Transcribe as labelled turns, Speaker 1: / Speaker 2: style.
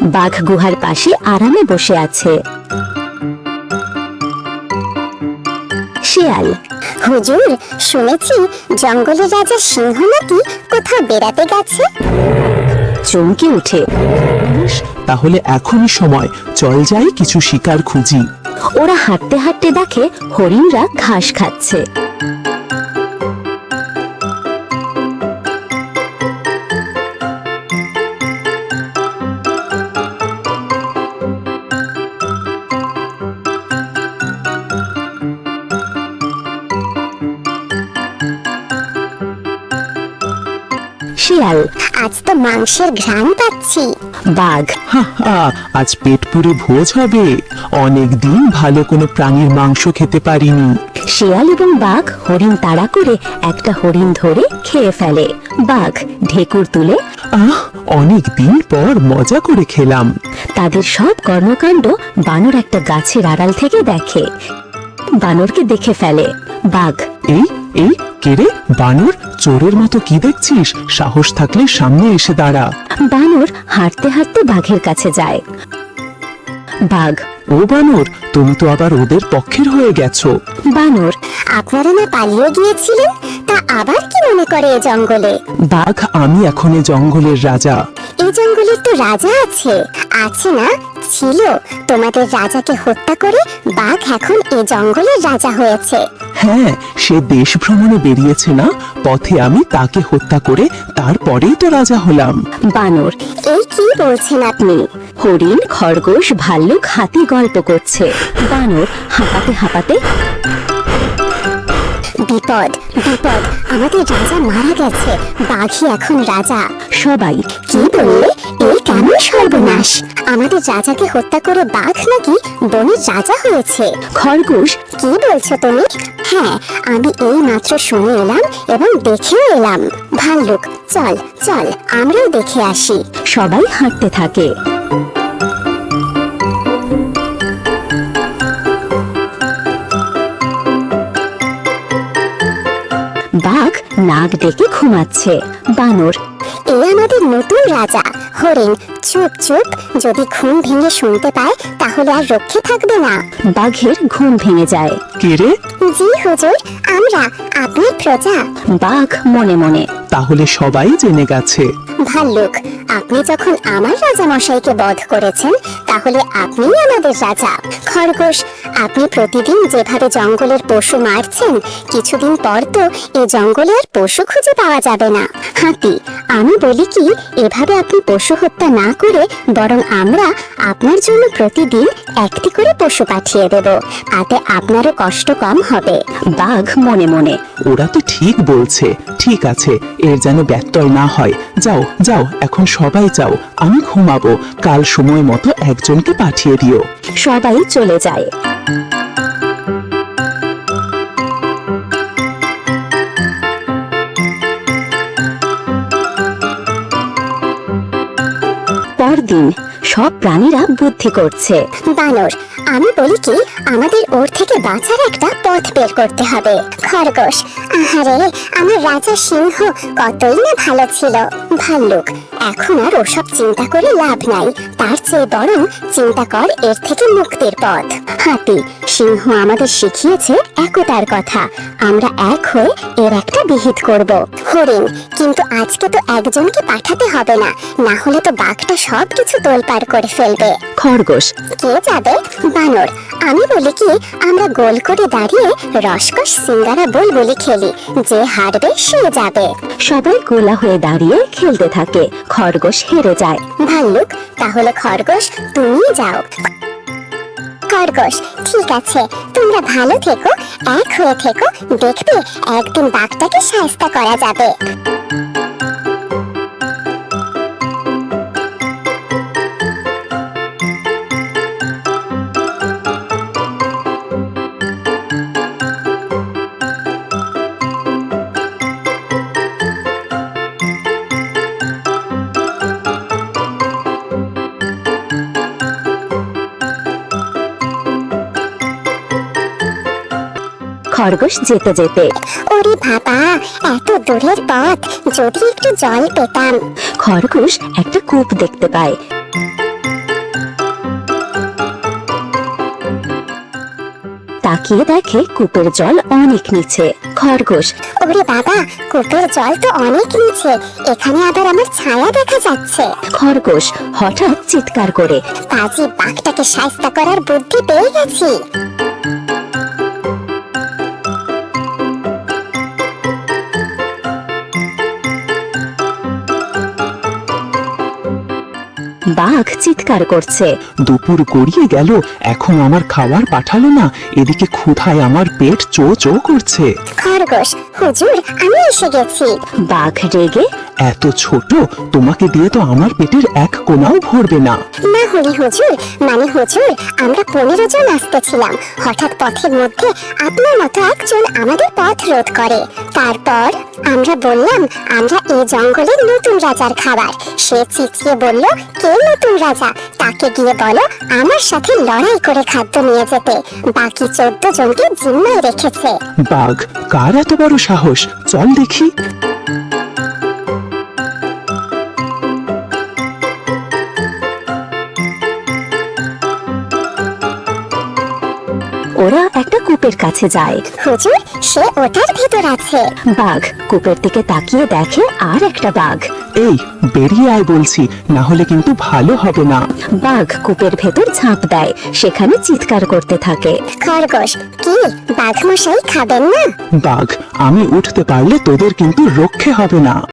Speaker 1: বাঘ গুহার পাশে আরামে বসে আছে। শিয়াল,
Speaker 2: হুজুর, শুনেছি জঙ্গলের রাজা সিংহ নাকি কোথাও বেড়াতে গেছে।
Speaker 1: চমকে উঠে।
Speaker 3: তাহলে এখনই সময়, চল যাই কিছু শিকার খুঁজি।
Speaker 1: ওরা হাঁটতে হাঁটতে দেখে হরিণরা ঘাস খাচ্ছে। শিয়াল,
Speaker 2: আজ তো মাংসের ঘ্রাণ পাচ্ছি।
Speaker 1: বাঘ,
Speaker 3: হা হা, আজ পেট পুরে ভোজ হবে। অনেক দিন ভালো কোনো প্রাণীর মাংস খেতে পারিনি।
Speaker 1: শিয়াল এবং বাঘ হরিণ তাড়া করে একটা হরিণ ধরে খেয়ে ফেলে। বাঘ ঢেকুর তুলে
Speaker 3: অনেক দিন পর মজা করে খেলাম।
Speaker 1: তাদের সব কর্মকাণ্ড বানর একটা গাছের আড়াল থেকে দেখে। বানরকে দেখে ফেলে। বাঘ,
Speaker 3: এই এই কে রে? বানর, চোরের মতো কি দেখছিস? সাহস থাকলে সামনে এসে দাঁড়া।
Speaker 1: বানর হাঁটতে হাঁটতে বাঘের কাছে যায়। বাঘ,
Speaker 3: ও বানর, তুমি তো আবার ওদের পক্ষের হয়ে গেছো।
Speaker 1: বানর,
Speaker 2: আপনারা না পালিয়ে গিয়েছিলেন, তা আবার কি মনে করে এ জঙ্গলে?
Speaker 3: বাঘ, আমি এখন এ জঙ্গলের রাজা।
Speaker 2: এই জঙ্গলের তো রাজা আছে। আছে না? ছিল। তোমাদের রাজাকে হত্যা করে বাঘ এখন এ জঙ্গলের রাজা হয়েছে।
Speaker 3: হ্যাঁ, সে দেশ ভ্রমণে বেরিয়েছে না, পথে আমি তাকে হত্যা করে তারপরেই তো রাজা হলাম।
Speaker 1: বানর,
Speaker 2: এই কি বলছেন আপনি?
Speaker 1: হরিণ, খরগোশ, ভাল্লুক, হাতি গল্প করছে। বানর হাঁপাতে হাঁপাতে,
Speaker 2: বিপদ, বিপদ, আমাদের রাজা মারা গেছে। বাঘই এখন রাজা।
Speaker 1: সবাই,
Speaker 2: কি বললে? এই কেমন সর্বনাশ! আমাদের রাজাকে হত্যা করে বাঘ নাকি বনের রাজা হয়েছে?
Speaker 1: খরগোশ,
Speaker 2: কি বলছো তুমি? হ্যাঁ, আমি এই মাত্র শুনে এলাম এবং দেখেও এলাম। ভাল্লুক, চল চল, আমরাও দেখে আসি।
Speaker 1: সবাই হাঁটতে থাকে। বাঘ নাক ডেকে ঘুমাচ্ছে। বানর,
Speaker 2: এ আমাদের নতুন রাজা। হরিণ, চুপ চুপ, যদি ঘুম ভেঙে শুনতে পায় তাহলে আর রক্ষে থাকবে না।
Speaker 1: বাঘের ঘুম ভেঙে যায়।
Speaker 3: কে রে?
Speaker 2: জি হুজুর, আমরা আপনার প্রজা।
Speaker 1: বাঘ মনে মনে,
Speaker 3: তাহলে সবাই জেনে গেছে।
Speaker 2: ভাল্লুক, আপনি যখন আমার রাজা মশাইকে বধ করেছেন, তাহলে আপনিই আমাদের রাজা। খরগোশ, আপনি প্রতিদিন যেভাবে জঙ্গলের পশু মারছেন, কিছুদিন পর তো এই জঙ্গলে আর পশু খুঁজে পাওয়া যাবে না। হাতি, আমি বলি কি, এভাবে আপনি পশু হত্যা না করে বরং আমরা আপনার জন্য প্রতিদিন একটি করে পশু পাঠিয়ে দেব, তাতে আপনারও কষ্ট কম হবে।
Speaker 1: বাঘ মনে মনে,
Speaker 3: ওরা তো ঠিক বলছে। ঠিক আছে, এর যেন ব্যত্যয় না হয়। যাও যাও, এখন সবাই যাও, আমি ঘুমাবো। কাল সময় মতো একজনকে পাঠিয়ে দিও।
Speaker 1: সবাই চলে যায়। পরদিন সব প্রাণীরা বুদ্ধি করছে।
Speaker 2: বানর, আমি বলি কি, আমাদের ওর থেকে বাঁচার একটা পথ বের করতে হবে। খরগোশ, আহারে, আমার রাজা সিংহ কতই না ভালো ছিল। ভাল্লুক, এখন আর ওসব চিন্তা করে লাভ নাই, তার চেয়ে বরং চিন্তা কর এর থেকে মুক্তির পথ। হাতি, সিংহ আমাদের শিখিয়েছে একতার কথা, আমরা এক হয়ে এর একটা বিহিত করব। হরিণ, কিন্তু আজকে তো একজনকে পাঠাতে হবে না, না হলে তো বাঘটা সবকিছু তোলপাড় করে ফেলবে।
Speaker 1: খরগোশ,
Speaker 2: কে যাবে? বানর, আমি বলি কি, আমরা গোল করে দাঁড়িয়ে রসকস সিঙ্গারা বুলবুলি খেলি, যে হারবে সে যাবে।
Speaker 1: সবাই গোলা হয়ে দাঁড়িয়ে খেলতে থাকে। খরগোশ হেরে যায়।
Speaker 2: ভাল্লুক, তাহলে খরগোশ তুমি যাও। খরগোশ, ঠিক আছে, তোমরা ভালো থেকো, এক হয়ে থেকো, দেখবে একদিন বাঘটাকে শায়েস্তা করা যাবে।
Speaker 1: খরগোশ যেতে যেতে,
Speaker 2: ওরে বাবা, এত দূরের পথ, যদি একটু জল পেতাম।
Speaker 1: খরগোশ একটা কূপ দেখতে পায়। তাকিয়ে দেখে কূপের জল অনেক নিচে। খরগোশ,
Speaker 2: ওরে বাবা, কূপের জল তো অনেক নিচে, এখানে আবার আমার ছায়া দেখা যাচ্ছে।
Speaker 1: খরগোশ হঠাৎ চিৎকার করে,
Speaker 2: পাজি বাঘটাকে শায়েস্তা করার বুদ্ধি পেয়ে গেছি।
Speaker 1: বাঘ চিৎকার করছে,
Speaker 3: দুপুর গড়িয়ে গেল, এখন আমার খাবার পাঠালো না, এদিকে ক্ষুধায় আমার পেট চো চো করছে।
Speaker 2: খরগোশ, হুজুর আমি এসে গেছি।
Speaker 1: বাঘ রেগে,
Speaker 3: এত ছোট, তোমাকে দিয়ে তো আমার পেটের এক কোণাও ভরবে না।
Speaker 2: না হলে হুজুর, মানে হুজুর, আমরা 15 জন আসতেছিলাম, হঠাৎ পথের মধ্যে আপনার মতো একজন আমাদের পথ রোধ করে। তারপর আমরা বললাম আমরা এই জঙ্গলের নতুন রাজার খাবার। সে চিৎকিয়ে বলল, কে নতুন রাজা, তাকে গিয়ে বলো আমার সাথে লড়াই করে খাদ্য নিয়ে যেতে। বাকি 14 জনকে জিম্মায় রেখেছে।
Speaker 3: বাঘ, কার এত বড় সাহস, চল দেখি।
Speaker 1: ওরা একটা কূপের কাছে যায়।
Speaker 2: হুজুর, সে ওটার ভেতর আছে।
Speaker 1: বাঘ কূপের দিকে তাকিয়ে দেখে আর একটা বাঘ।
Speaker 3: এই, বেরিয়ে আয় বলছি, না হলে কিন্তু ভালো হবে না।
Speaker 1: বাঘ কূপের ভেতর ঝাঁপ দেয়, সেখানে চিৎকার করতে থাকে।
Speaker 2: খরগোশ, কি বাঘ মশাই খাবেন না?
Speaker 3: বাঘ, আমি উঠতে পারলে তোদের কিন্তু রক্ষে হবে না।